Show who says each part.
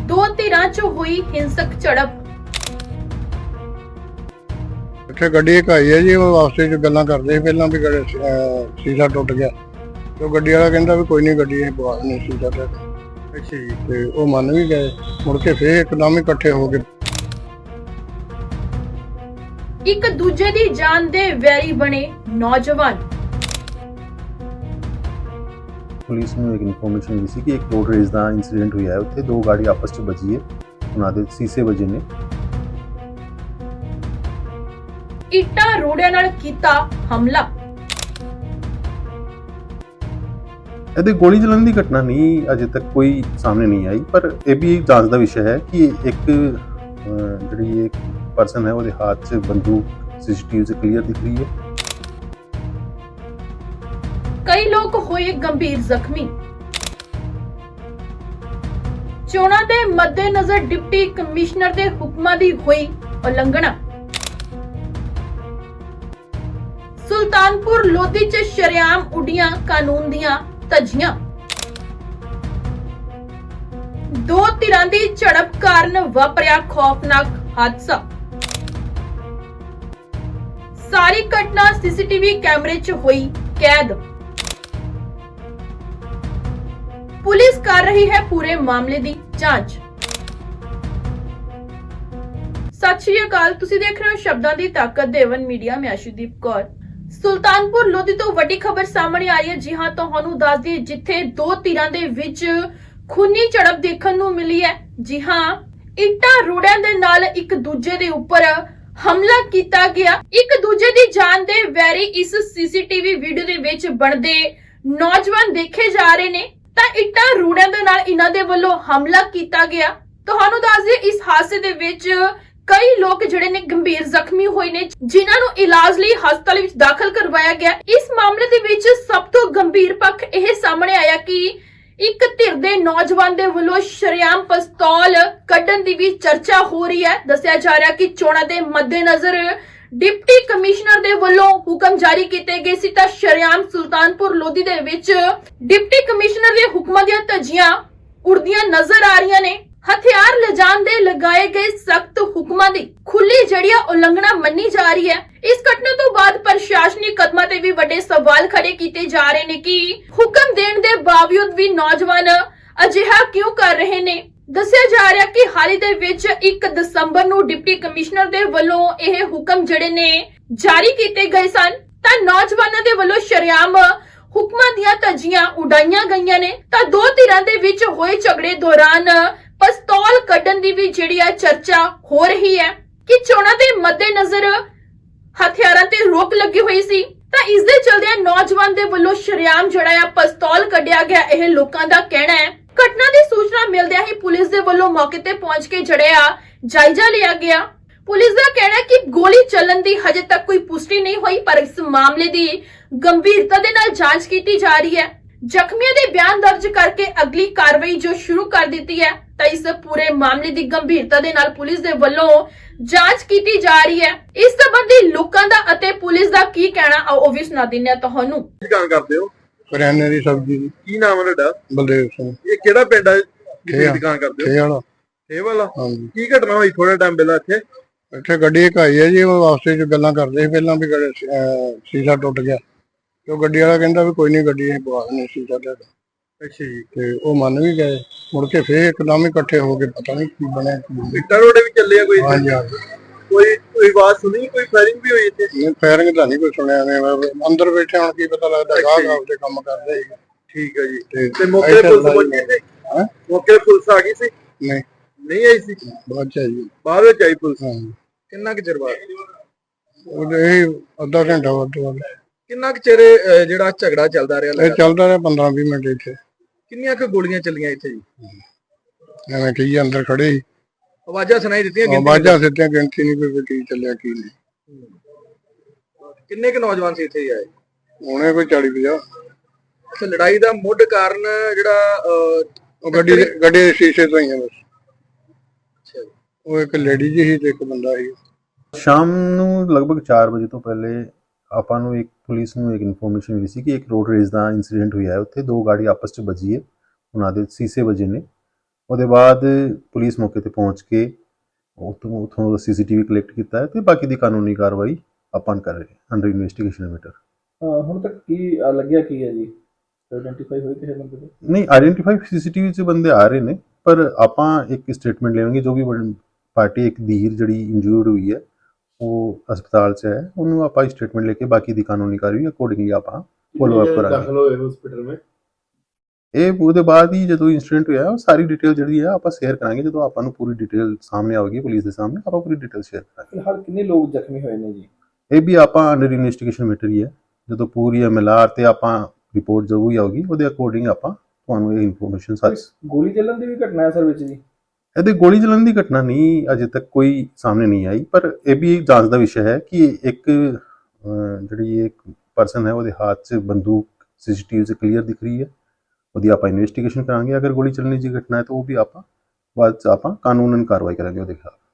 Speaker 1: ਦੋ ਧਿਰਾਂ 'ਚ ਹੋਈ ਹਿੰਸਕ ਝੜਪ।
Speaker 2: ਇੱਥੇ ਗੱਡੀ ਇੱਕ ਆਈ ਹੈ ਜੀ, ਉਹ ਵਾਸਤੇ 'ਚ ਗੱਲਾਂ ਕਰਦੇ ਸੀ ਪਹਿਲਾਂ ਵੀ ਸ਼ੀਸ਼ਾ ਟੁੱਟ ਗਿਆ ਤੇ ਉਹ ਗੱਡੀ ਵਾਲਾ ਕਹਿੰਦਾ ਵੀ ਕੋਈ ਨਹੀਂ, ਗੱਡੀ ਇਹ ਪਵਾ ਦਿੰਦੇ ਸ਼ੀਸ਼ਾ ਟੁੱਟ।
Speaker 3: ਅੱਛਾ ਜੀ।
Speaker 2: ਤੇ ਉਹ ਮੰਨ ਵੀ ਗਏ। ਮੁੜ ਕੇ ਫੇਰ ਇੱਕਦਮ ਹੀ ਇਕੱਠੇ ਹੋ ਗਏ।
Speaker 1: ਇੱਕ ਦੂਜੇ ਦੀ ਜਾਨ ਦੇ ਵੈਰੀ ਬਣੇ ਨੌਜਵਾਨ।
Speaker 4: ਪੁਲਿਸ ਨੂੰ ਇੱਕ ਇਨਫੋਰਮੇਸ਼ਨ ਮਿਲੀ ਸੀ ਕਿ ਇੱਕ ਰੋਡ ਰੇਸ ਦਾ ਇਨਸੀਡੈਂਟ ਹੋਇਆ ਹੈ। ਉੱਥੇ ਦੋ ਗਾੜੀ ਆਪਸ 'ਚ ਵੱਜੀ ਹੈ, ਉਹਨਾਂ ਦੇ ਸੀਸੇ ਵੱਜੇ ਨੇ।
Speaker 1: ਇੱਟਾਂ ਰੋੜਿਆਂ ਨਾਲ ਕੀਤਾ ਹਮਲਾ।
Speaker 4: ਇਹਦੇ ਗੋਲੀ ਚੱਲਣ ਦੀ ਘਟਨਾ ਨਹੀਂ ਅਜੇ ਤੱਕ ਕੋਈ ਸਾਹਮਣੇ ਨਹੀਂ ਆਈ, ਪਰ ਇਹ ਵੀ ਜਾਂਚ ਦਾ ਵਿਸ਼ਾ ਹੈ ਕਿ ਇੱਕ ਜਿਹੜੀ ਇੱਕ ਪਰਸਨ ਹੈ ਉਹਦੇ ਹੱਥ 'ਚ ਬੰਦੂਕ ਸੀਸੀਟੀਵੀ 'ਚ ਕਲੀਅਰ ਦਿਖ ਰਹੀ ਹੈ।
Speaker 1: ਕਈ ਲੋਕ ਹੋਏ ਗੰਭੀਰ ਜ਼ਖਮੀ। ਚੋਣਾਂ ਦੇ ਮੱਦੇਨਜ਼ਰ ਡਿਪਟੀ ਕਮਿਸ਼ਨਰ ਦੇ ਹੁਕਮਾਂ ਦੀ ਹੋਈ ਉਲੰਘਣਾ। ਸੁਲਤਾਨਪੁਰ ਲੋਧੀ 'ਚ ਸ਼ਰੇਆਮ ਉੱਡੀਆਂ ਕਾਨੂੰਨ ਦੀਆਂ ਧੱਜੀਆਂ। ਦੋ ਧਿਰਾਂ ਦੀ ਝੜਪ ਕਾਰਨ ਵਾਪਰਿਆ ਖੌਫਨਾਕ ਹਾਦਸਾ। ਸਾਰੀ ਘਟਨਾ ਸੀਸੀਟੀਵੀ ਕੈਮਰੇ 'ਚ ਹੋਈ ਕੈਦ। ਪੁਲਿਸ ਕਰ ਰਹੀ ਹੈ ਪੂਰੇ ਮਾਮਲੇ ਦੀ ਜਾਂਚ। ਸਤਿ ਸ਼੍ਰੀ ਅਕਾਲ, ਤੁਸੀਂ ਦੇਖ ਰਹੇ ਹੋ ਸ਼ਬਦਾਂ ਦੀ ਤਾਕਤ ਦੇਵਨ ਮੀਡੀਆ। ਮੈਂ ਅਸ਼ੂਦੀਪ ਕੌਰ। ਸੁਲਤਾਨਪੁਰ ਲੋਧੀ ਤੋਂ ਵੱਡੀ ਖਬਰ ਸਾਹਮਣੇ ਆ ਰਹੀ ਹੈ। ਜੀ ਹਾਂ, ਤੁਹਾਨੂੰ ਦੱਸ ਦਈਏ, ਜਿੱਥੇ ਦੋ ਧਿਰਾਂ ਦੇ ਵਿੱਚ ਖੂਨੀ ਝੜਪ ਦੇਖਣ ਨੂੰ ਮਿਲੀ ਹੈ। ਜੀ ਹਾਂ, ਇੱਟਾਂ ਰੋੜਿਆਂ ਦੇ ਨਾਲ ਇੱਕ ਦੂਜੇ ਦੇ ਉੱਪਰ ਹਮਲਾ ਕੀਤਾ ਗਿਆ। ਇੱਕ ਦੂਜੇ ਦੀ ਜਾਨ ਦੇ ਵੈਰੀ ਇਸ ਸੀਸੀਟੀਵੀ ਵੀਡੀਓ ਦੇ ਵਿੱਚ ਬਣਦੇ ਨੌਜਵਾਨ ਦੇਖੇ ਜਾ ਰਹੇ ਨੇ। ਤਾਂ ਇੱਟਾਂ ਰੋੜਿਆਂ ਦੇ ਨਾਲ ਇਹਨਾਂ ਦੇ ਵੱਲੋਂ ਹਮਲਾ ਕੀਤਾ ਗਿਆ। ਤੁਹਾਨੂੰ ਦੱਸ ਦਈਏ, ਇਸ ਹਾਦਸੇ ਦੇ ਵਿੱਚ ਕਈ ਲੋਕ ਜਿਹੜੇ ਨੇ ਗੰਭੀਰ ਜ਼ਖਮੀ ਹੋਏ ਨੇ, ਜਿਨ੍ਹਾਂ ਨੂੰ ਇਲਾਜ ਲਈ ਹਸਪਤਾਲ ਵਿੱਚ ਦਾਖਲ ਕਰਵਾਇਆ ਗਿਆ। ਇਸ ਮਾਮਲੇ ਦੇ ਵਿੱਚ ਸਭ ਤੋਂ ਗੰਭੀਰ ਪੱਖ ਇਹ ਸਾਹਮਣੇ ਆਇਆ ਕਿ ਇੱਕ ਧਿਰ ਦੇ ਨੌਜਵਾਨ ਦੇ ਵੱਲੋਂ ਸ਼ਰੇਆਮ ਪਿਸਤੌਲ ਕੱਢਣ ਦੀ ਵੀ ਚਰਚਾ ਹੋ ਰਹੀ ਹੈ। ਦੱਸਿਆ ਜਾ ਰਿਹਾ ਕਿ ਚੋਣਾਂ ਦੇ ਮੱਦੇਨਜ਼ਰ ਡਿਪਟੀ ਕਮਿਸ਼ਨਰ ਦੇ ਵੱਲੋਂ ਹੁਕਮ ਜਾਰੀ ਕੀਤੇ ਗਏ ਸੀ, ਤਾਂ ਸ਼ਰੇਆਮ ਸੁਲਤਾਨਪੁਰ ਲੋਧੀ ਦੇ ਵਿੱਚ ਡਿਪਟੀ ਕਮਿਸ਼ਨਰ ਦੇ ਹੁਕਮਾਂ ਦੀਆਂ ਧੱਜੀਆਂ ਉੜਦੀਆਂ ਨਜ਼ਰ ਆ ਰਹੀਆਂ ਨੇ। ਹਥਿਆਰ ਲਿਜਾਣ ਦੇ ਲਗਾਏ ਗਏ ਸਖਤ ਹੁਕਮਾਂ ਦੀ ਖੁੱਲੀ ਜੜੀਆਂ ਉਲੰਘਣਾ ਮੰਨੀ ਜਾ ਰਹੀ ਹੈ। ਇਸ ਘਟਨਾ ਤੋਂ ਬਾਅਦ ਪ੍ਰਸ਼ਾਸਨਿਕ ਕਦਮਾਂ ਤੇ ਵੀ ਵੱਡੇ ਸਵਾਲ ਖੜੇ ਕੀਤੇ ਜਾ ਰਹੇ ਨੇ ਕਿ ਹੁਕਮ ਦੇਣ ਦੇ ਬਾਵਜੂਦ ਵੀ ਨੌਜਵਾਨ ਅਜਿਹਾ ਕਿਉਂ ਕਰ ਰਹੇ ਨੇ। ਦੱਸਿਆ ਜਾ ਰਿਹਾ ਕਿ ਹਾਲ ਹੀ ਦੇ ਵਿੱਚ 1 ਦਸੰਬਰ ਨੂੰ ਡਿਪਟੀ ਕਮਿਸ਼ਨਰ ਦੇ ਵੱਲੋਂ ਇਹ ਹੁਕਮ ਜਿਹੜੇ ਨੇ ਜਾਰੀ ਕੀਤੇ ਗਏ ਸਨ, ਤਾਂ ਨੌਜਵਾਨਾਂ ਦੇ ਵੱਲੋਂ ਸ਼ਰੇਆਮ ਹੁਕਮਾਂ ਦੀਆਂ ਧੱਜੀਆਂ ਉਡਾਈਆਂ ਗਈਆਂ ਨੇ। ਤਾਂ ਦੋ ਧਿਰਾਂ ਦੇ ਵਿੱਚ ਹੋਏ ਝਗੜੇ ਦੌਰਾਨ ਪਿਸਤੌਲ ਕੱਢਣ ਦੀ ਵੀ ਜਿਹੜੀ ਆ ਚਰਚਾ ਹੋ ਰਹੀ ਹੈ ਕਿ ਚੋਣਾਂ ਦੇ ਮੱਦੇਨਜ਼ਰ ਹਥਿਆਰਾਂ ਤੇ ਰੋਕ ਲੱਗੀ ਹੋਈ ਸੀ। ਤਾਂ ਇਸ ਦੇ ਚਲਦਿਆਂ ਨੌਜਵਾਨ ਦੇ ਵੱਲੋਂ ਸ਼ਰੇਆਮ ਜਿਹੜਾ ਆ ਪਿਸਤੌਲ ਕੱਢਿਆ ਗਿਆ, ਇਹ ਲੋਕਾਂ ਦਾ ਕਹਿਣਾ ਹੈ। ਘਟਨਾ ਦੀ ਸੂਚਨਾ ਮਿਲਦਿਆਂ ਹੀ ਪੁਲਿਸ ਦੇ ਵੱਲੋਂ ਮੌਕੇ ਤੇ ਪਹੁੰਚ ਕੇ ਜਿਹੜਾ ਆ ਜਾਇਜ਼ਾ ਲਿਆ ਗਿਆ। ਪੁਲਿਸ ਦਾ ਕਹਿਣਾ ਹੈ ਕਿ ਗੋਲੀ ਚੱਲਣ ਦੀ ਹਜੇ ਤੱਕ ਕੋਈ ਪੁਸ਼ਟੀ ਨਹੀਂ ਹੋਈ, ਪਰ ਇਸ ਮਾਮਲੇ ਦੀ ਗੰਭੀਰਤਾ ਦੇ ਨਾਲ ਜਾਂਚ ਕੀਤੀ ਜਾ ਰਹੀ ਹੈ। ਜ਼ਖਮੀਆਂ ਦੇ ਬਿਆਨ ਦਰਜ ਕਰਕੇ ਅਗਲੀ ਕਾਰਵਾਈ ਜੋ ਸ਼ੁਰੂ ਕਰ ਦਿੱਤੀ ਹੈ। ਤਾਂ ਇਸ ਪੂਰੇ ਮਾਮਲੇ ਦੀ ਗੰਭੀਰਤਾ ਦੇ ਨਾਲ ਪੁਲਿਸ ਦੇ ਵੱਲੋਂ ਜਾਂਚ ਕੀਤੀ ਜਾ ਰਹੀ ਹੈ। ਇਸ ਸੰਬੰਧੀ ਲੋਕਾਂ ਦਾ ਅਤੇ ਪੁਲਿਸ ਦਾ ਕੀ ਕਹਿਣਾ, ਆਓ ਉਹ ਵੀ ਸੁਣਾ ਦਿੰਦੇ ਹਾਂ ਤੁਹਾਨੂੰ।
Speaker 3: ਕੀ ਕੰਮ ਕਰਦੇ ਹੋ?
Speaker 2: ਕਰਿਆਨੇ ਦੀ ਸਬਜ਼ੀ ਦੀ।
Speaker 3: ਕੀ ਨਾਮ ਹੈ ਤੁਹਾਡਾ?
Speaker 2: ਬਲਦੇਵ ਸਿੰਘ।
Speaker 3: ਇਹ ਕਿਹੜਾ ਪਿੰਡ ਹੈ ਜਿੱਥੇ ਦੁਕਾਨ ਕਰਦੇ ਹੋ?
Speaker 2: ਖੇ ਵਾਲਾ।
Speaker 3: ਖੇ ਵਾਲਾ।
Speaker 2: ਹਾਂਜੀ।
Speaker 3: ਕੀ ਘਟਨਾ ਹੋਈ ਥੋੜਾ ਟਾਈਮ ਪਹਿਲਾਂ ਇੱਥੇ?
Speaker 2: ਇੱਥੇ ਗੱਡੀ ਇੱਕ ਆਈ ਹੈ ਜੀ, ਉਹ ਵਾਸਤੇ 'ਚ ਗੱਲਾਂ ਕਰਦੇ ਸੀ ਪਹਿਲਾਂ ਵੀ ਸ਼ੀਸ਼ਾ ਟੁੱਟ ਗਿਆ ਤੇ ਉਹ ਗੱਡੀ ਵਾਲਾ ਕਹਿੰਦਾ ਵੀ ਕੋਈ ਨਹੀਂ, ਗੱਡੀ ਇਹ ਪਵਾ ਦਿੰਦੇ ਸ਼ੀਸ਼ਾ ਟੁੱਟ।
Speaker 3: ਅੱਛਾ ਜੀ।
Speaker 2: ਤੇ ਉਹ ਮੰਨ ਵੀ ਗਏ। ਮੁੜ ਕੇ ਫੇਰ ਇੱਕਦਮ ਹੀ ਇਕੱਠੇ ਹੋ ਗਏ। ਪਤਾ ਨਹੀਂ ਕੀ ਬਣਿਆ ਕੀ ਨਹੀਂ।
Speaker 3: ਇੱਟਾਂ ਰੋੜੇ ਵੀ ਚੱਲੇ ਆ ਕੋਈ?
Speaker 2: ਹਾਂਜੀ ਹਾਂਜੀ।
Speaker 3: ਕੋਈ ਆਵਾਜ਼ ਸੁਣੀ? ਕੋਈ ਫਾਇਰਿੰਗ ਵੀ ਹੋਈ ਇੱਥੇ?
Speaker 2: ਨਹੀਂ, ਫਾਇਰਿੰਗ ਤਾਂ ਨਹੀਂ ਕੋਈ ਸੁਣਿਆ ਨੇ। ਅੰਦਰ ਬੈਠੇ ਹੁਣ ਕੀ ਪਤਾ ਲੱਗਦਾ, ਗਾਹਕ ਆਪਦੇ ਕੰਮ ਕਰਦੇ ਸੀ।
Speaker 3: ਠੀਕ ਹੈ ਜੀ।
Speaker 2: ਤੇ
Speaker 3: ਤੇ ਮੌਕੇ ਤੇ ਪੁਲਿਸ ਪਹੁੰਚੀ ਸੀ?
Speaker 2: ਹਾਂ,
Speaker 3: ਮੌਕੇ ਤੇ ਪੁਲਿਸ ਆ ਗਈ ਸੀ?
Speaker 2: ਨਹੀਂ
Speaker 3: ਨਹੀਂ ਆਈ ਸੀ?
Speaker 2: ਬਾਅਦ ਚ ਜੀ।
Speaker 3: ਬਾਅਦ ਵਿੱਚ ਆਈ ਪੁਲਿਸ?
Speaker 2: ਹਾਂ,
Speaker 3: ਕਿੰਨਾ ਕੁ ਚਿਰ ਬਾਅਦ?
Speaker 2: ਇਹ ਅੱਧਾ ਘੰਟਾ ਵੱਧ ਤੋਂ ਵੱਧ।
Speaker 3: ਕਿੰਨਾ ਕੁ ਚਿਰ ਜਿਹੜਾ ਝਗੜਾ ਚੱਲਦਾ ਰਿਹਾ?
Speaker 2: ਇਹ ਚੱਲਦਾ ਰਿਹਾ 15-20 ਮਿੰਟ ਇੱਥੇ।
Speaker 3: ਕਿੰਨੀਆਂ ਕੁ ਗੋਲੀਆਂ ਚੱਲੀਆਂ ਇੱਥੇ ਜੀ?
Speaker 2: ਐਵੇਂ ਕਹੀ ਅੰਦਰ ਖੜੇ ਸੀ,
Speaker 3: ਆਵਾਜ਼ਾਂ ਸੁਣਾਈ ਦਿੱਤੀਆਂ?
Speaker 2: ਆਵਾਜ਼ਾਂ ਸਿੱਧੀਆਂ, ਗਿਣਤੀ ਨਹੀਂ ਕੋਈ ਕੀ ਚੱਲਿਆ ਕੀ ਨਹੀਂ।
Speaker 3: ਕਿੰਨੇ ਕੁ ਨੌਜਵਾਨ ਸੀ ਇੱਥੇ ਆਏ?
Speaker 2: ਹੁਣੇ ਕੋਈ 40-50।
Speaker 3: ਅੱਛਾ, ਲੜਾਈ ਦਾ ਮੁੱਢ ਕਾਰਨ ਜਿਹੜਾ
Speaker 2: ਉਹ ਗੱਡੀ ਦੇ ਸ਼ੀਸ਼ੇ ਤੋਂ ਹੀ ਆ ਬਸ।
Speaker 3: ਅੱਛਾ ਜੀ।
Speaker 2: ਉਹ ਇੱਕ ਲੇਡੀ ਜੀ ਸੀ ਤੇ ਇੱਕ ਬੰਦਾ ਸੀ।
Speaker 4: ਸ਼ਾਮ ਨੂੰ ਲਗਭਗ 4 ਵਜੇ ਤੋਂ ਪਹਿਲੇ ਆਪਾਂ ਨੂੰ ਇੱਕ ਪੁਲਿਸ ਨੂੰ ਇੱਕ ਇਨਫੋਰਮੇਸ਼ਨ ਮਿਲੀ ਸੀ ਕਿ ਇੱਕ ਰੋਡ ਰੇਸ ਦਾ ਇਨਸੀਡੈਂਟ ਹੋਇਆ ਹੈ। ਉੱਥੇ ਦੋ ਗਾੜੀ ਆਪਸ 'ਚ ਵੱਜੀ ਹੈ, ਉਹਨਾਂ ਦੇ ਸੀਸੇ ਵੱਜੇ ਨੇ। ਉਹਦੇ ਬਾਅਦ ਪੁਲਿਸ ਮੌਕੇ ਤੇ ਪਹੁੰਚ ਕੇ ਉੱਥੋਂ CCTV ਕਲੈਕਟ ਕੀਤਾ ਹੈ ਤੇ ਬਾਕੀ ਦੀ ਕਾਨੂੰਨੀ ਕਾਰਵਾਈ ਆਪਾਂ ਕਰ ਰਹੇ ਹਾਂ ਅੰਡਰ ਇਨਵੈਸਟੀਗੇਸ਼ਨ ਮੈਟਰ।
Speaker 3: ਹੁਣ ਤੱਕ ਕੀ ਲੱਗਿਆ ਕੀ ਹੈ ਜੀ, ਆਇਡੈਂਟੀਫਾਈ ਹੋਈ ਕਿਸੇ ਬੰਦੇ ਦੇ?
Speaker 4: ਨਹੀਂ, ਆਇਡੈਂਟੀਫਾਈ CCTV 'ਚ ਬੰਦੇ ਆ ਰਹੇ ਨੇ, ਪਰ ਆਪਾਂ ਇੱਕ ਸਟੇਟਮੈਂਟ ਲੈਵਾਂਗੇ। ਜੋ ਵੀ ਪਾਰਟੀ ਇੱਕ ਧੀਰ ਜਿਹੜੀ ਇੰਜੂਰਡ ਹੋਈ ਹੈ ਉਹ ਹਸਪਤਾਲ 'ਚ ਹੈ, ਉਹਨੂੰ ਆਪਾਂ ਸਟੇਟਮੈਂਟ ਲੈ ਕੇ ਬਾਕੀ ਦੀ ਕਾਨੂੰਨੀ ਕਾਰਵਾਈ ਅਕੋਰਡਿੰਗਲੀ ਆਪਾਂ ਫੋਲੋ ਅਪ ਕਰਾਂਗੇ।
Speaker 3: ਦਾਖਲ ਹੋਏ ਹਸਪੀਟਲ ਵਿੱਚ
Speaker 4: ਇਹ ਉਹਦੇ ਬਾਅਦ ਹੀ ਜਦੋਂ ਇਨਸੀਡੈਂਟ ਹੋਇਆ ਉਹ ਸਾਰੀ ਡਿਟੇਲ ਜਿਹੜੀ ਹੈ ਆਪਾਂ ਸ਼ੇਅਰ ਕਰਾਂਗੇ। ਜਦੋਂ ਆਪਾਂ ਨੂੰ ਪੂਰੀ ਡਿਟੇਲ ਸਾਹਮਣੇ ਆਵੇਗੀ ਪੁਲਿਸ ਦੇ ਸਾਹਮਣੇ, ਆਪਾਂ ਪੂਰੀ ਡਿਟੇਲ ਸ਼ੇਅਰ ਕਰਾਂਗੇ।
Speaker 3: ਫਿਲਹਾਲ ਕਿੰਨੇ ਲੋਕ ਜ਼ਖਮੀ ਹੋਏ ਨੇ ਜੀ?
Speaker 4: ਇਹ ਵੀ ਆਪਾਂ ਅੰਡਰ ਇਨਵੈਸਟੀਗੇਸ਼ਨ ਮੈਟਰ ਹੀ ਹੈ। ਜਦੋਂ ਪੂਰੀ MLR ਤੇ ਆਪਾਂ ਰਿਪੋਰਟ ਜ਼ਰੂਰ ਆਊਗੀ, ਉਹਦੇ ਅਕੋਰਡਿੰਗ ਆਪਾਂ ਤੁਹਾਨੂੰ ਇਹ ਇਨਫੋਰਮੇਸ਼ਨ ਸਾਰੀ।
Speaker 3: ਗੋਲੀ ਚੱਲਣ ਦੀ ਵੀ ਘਟਨਾ ਹੈ ਸਰ ਵਿੱਚ ਜੀ?
Speaker 4: ਇਹਦੇ ਗੋਲੀ ਚੱਲਣ ਦੀ ਘਟਨਾ ਨਹੀਂ ਅਜੇ ਤੱਕ ਕੋਈ ਸਾਹਮਣੇ ਨਹੀਂ ਆਈ, ਪਰ ਇਹ ਵੀ ਜਾਂਚ ਦਾ ਵਿਸ਼ਾ ਹੈ ਕਿ ਇੱਕ ਜਿਹੜੀ ਇੱਕ ਪਰਸਨ ਹੈ ਉਹਦੇ ਹੱਥ 'ਚ ਬੰਦੂਕ CCTV 'ਚ ਕਲੀਅਰ ਦਿਖ ਰਹੀ ਹੈ। ਉਹਦੀ ਆਪਾਂ ਇਨਵੈਸਟੀਗੇਸ਼ਨ ਕਰਾਂਗੇ। ਅਗਰ ਗੋਲੀ ਚੱਲਣ ਦੀ ਘਟਨਾ ਹੈ ਤਾਂ ਉਹ ਵੀ ਆਪਾਂ ਬਾਅਦ 'ਚ ਆਪਾਂ ਕਾਨੂੰਨਨ ਕਾਰਵਾਈ ਕਰਾਂਗੇ ਉਹਦੇ ਖਿਲਾਫ।